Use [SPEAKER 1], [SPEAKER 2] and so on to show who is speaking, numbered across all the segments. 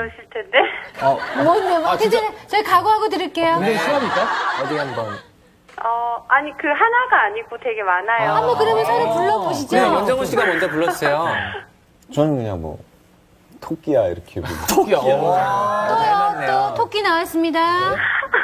[SPEAKER 1] 그러실 텐데.
[SPEAKER 2] 뭔데? 괜찮아요. 저희 각오하고 드릴게요.
[SPEAKER 3] 굉장히 심합니까? 어디 한번.
[SPEAKER 1] 아니, 그 하나가 아니고 되게 많아요.
[SPEAKER 2] 한번 그러면 서로 불러보시죠.
[SPEAKER 3] 네, 연정훈 씨가 먼저 불러주세요.
[SPEAKER 4] 저는 그냥 뭐 토끼야 이렇게 부르고.
[SPEAKER 3] 토끼야.
[SPEAKER 2] 또 토끼 나왔습니다.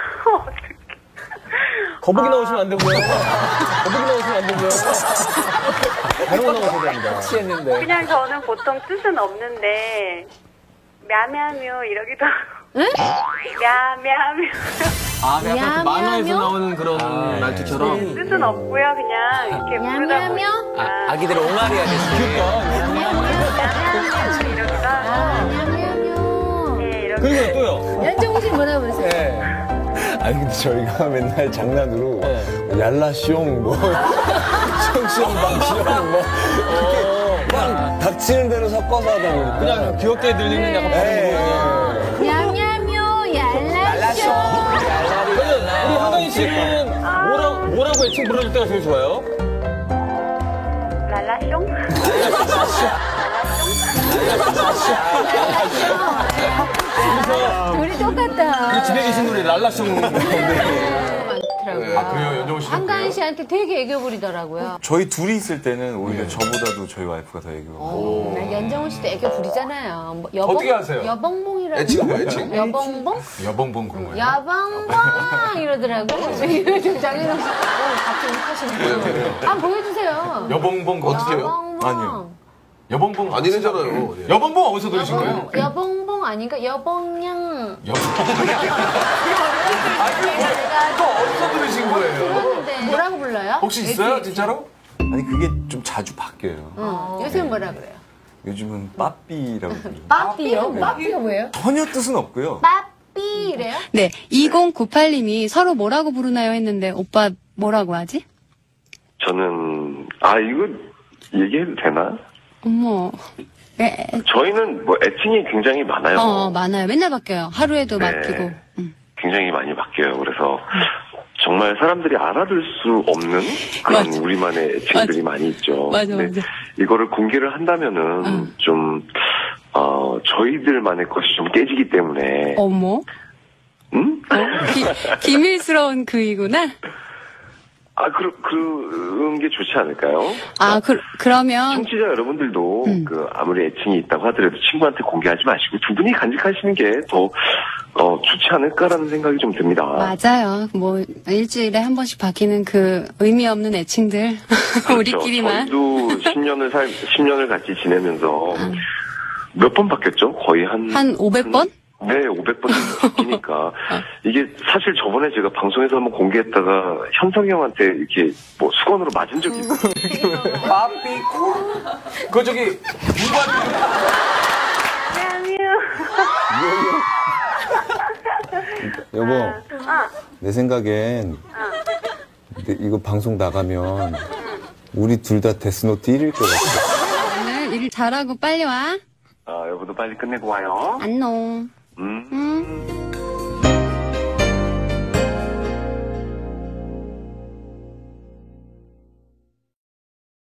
[SPEAKER 3] 거북이 나오시면 안 되고요. 거북이 나오시면 안 되고요. 다른 거 나오셔야 됩니다. 취했는데.
[SPEAKER 1] 그냥 저는 보통 뜻은 없는데, мямя묘 이러기도 하고.
[SPEAKER 2] 응?
[SPEAKER 1] мямя묘.
[SPEAKER 3] 약간
[SPEAKER 2] 야мя묘?
[SPEAKER 3] 그 만화에서 나오는 그런 말투처럼.
[SPEAKER 1] 뜻은 없고요. 그냥 이렇게 부르다
[SPEAKER 2] мямя묘?
[SPEAKER 1] 보니까.
[SPEAKER 3] 아기들의 옹알이 하듯이.
[SPEAKER 1] мямя묘 이러기도 하고.
[SPEAKER 2] 냐냐뇨.
[SPEAKER 1] 네, 이렇게.
[SPEAKER 3] 그리고 또요.
[SPEAKER 2] 연정훈 씨 뭐라 그러세요?
[SPEAKER 3] 네.
[SPEAKER 4] 아니 근데 저희가 맨날 장난으로 얄라숑 뭐 숑숑방숑 뭐 그냥 닥치는 대로 섞어서 하다 보니까
[SPEAKER 3] 그냥 귀엽게 들리는 약간 발음이거든요.
[SPEAKER 2] 냐냐뇨 얄라쇼.
[SPEAKER 3] 우리 한가인 씨는 뭐라고 애칭 불러줄 때가 제일 좋아요?
[SPEAKER 1] 랄라숑?
[SPEAKER 2] 우리 똑같다.
[SPEAKER 3] 집에 계신 분이 랄라숑.
[SPEAKER 2] 많더라고요.
[SPEAKER 5] 그래요? 연정훈 씨는
[SPEAKER 2] 한가인 씨한테 되게 애교 부리더라고요.
[SPEAKER 5] 저희 둘이 있을 때는 오히려 저보다도 저희 와이프가 더 애교.
[SPEAKER 2] 연정훈 씨도 애교 부리잖아요. 뭐
[SPEAKER 5] 어떻게 하세요?
[SPEAKER 2] 여봉봉이라고.
[SPEAKER 5] 애칭 뭐야, 애칭?
[SPEAKER 2] 여봉봉?
[SPEAKER 5] 여봉봉 그런 거예요.
[SPEAKER 2] 여봉봉 이러더라고. 지금 장인호 씨 같이 하시는 거. 한번 보여주세요.
[SPEAKER 5] 여봉봉 어떻게 해요?
[SPEAKER 2] 여봉봉.
[SPEAKER 5] 아니요. 여봉봉
[SPEAKER 6] 아니래잖아요.
[SPEAKER 5] 여봉봉 어디서 들으신 거예요?
[SPEAKER 2] 여봉봉 아닌가? 여봉양.
[SPEAKER 5] 또 어디서 들으신 거예요?
[SPEAKER 2] 들었는데 뭐라고 불러요?
[SPEAKER 5] 혹시 있어요, 진짜로? 아니 그게 좀 자주 바뀌어요.
[SPEAKER 2] 요새는 뭐라 그래요?
[SPEAKER 5] 요즘은 빠삐라고 불러요.
[SPEAKER 2] 빠삐요? 빠삐가 뭐예요?
[SPEAKER 5] 전혀 뜻은 없고요.
[SPEAKER 2] 빠삐래요?
[SPEAKER 7] 네, 2098님이 서로 뭐라고 부르나요 했는데 오빠 뭐라고 하지?
[SPEAKER 8] 저는 이거 얘기해도 되나?
[SPEAKER 7] 어머. 네.
[SPEAKER 8] 저희는 뭐 애칭이 굉장히 많아요.
[SPEAKER 7] 많아요. 맨날 바뀌어요. 하루에도
[SPEAKER 8] 네.
[SPEAKER 7] 바뀌고.
[SPEAKER 8] 굉장히 많이 바뀌어요. 그래서 정말 사람들이 알아들 수 없는 그런
[SPEAKER 7] 맞아.
[SPEAKER 8] 우리만의 애칭들이 많이 있죠.
[SPEAKER 7] 맞아,
[SPEAKER 8] 근데
[SPEAKER 7] 맞아.
[SPEAKER 8] 이거를 공개를 한다면은 좀 저희들만의 것이 좀 깨지기 때문에.
[SPEAKER 7] 어머.
[SPEAKER 8] 응?
[SPEAKER 7] 기밀스러운 그이구나.
[SPEAKER 8] 그런 게 좋지 않을까요?
[SPEAKER 7] 그러면.
[SPEAKER 8] 청취자 여러분들도 아무리 애칭이 있다고 하더라도 친구한테 공개하지 마시고 두 분이 간직하시는 게 더 좋지 않을까라는 생각이 좀 듭니다.
[SPEAKER 7] 맞아요. 뭐 일주일에 한 번씩 바뀌는 그 의미 없는 애칭들.
[SPEAKER 8] 그렇죠.
[SPEAKER 7] 우리끼리만.
[SPEAKER 8] 저희도 10년을 같이 지내면서 몇 번 바뀌었죠? 거의 한
[SPEAKER 7] 500번?
[SPEAKER 8] 네, 500번 바뀌니까. 이게 사실 저번에 제가 방송에서 한번 공개했다가 현성이 형한테 이렇게 뭐 수건으로 맞은 적이 있어요.
[SPEAKER 5] 빠삐 그거 저기
[SPEAKER 4] 여보 내 생각엔 근데 이거 방송 나가면 우리 둘 다 데스노트 1일 것 같아.
[SPEAKER 7] 오늘 일 잘하고 빨리 와.
[SPEAKER 8] 여보도 빨리 끝내고 와요.
[SPEAKER 7] 안녕.
[SPEAKER 8] 음.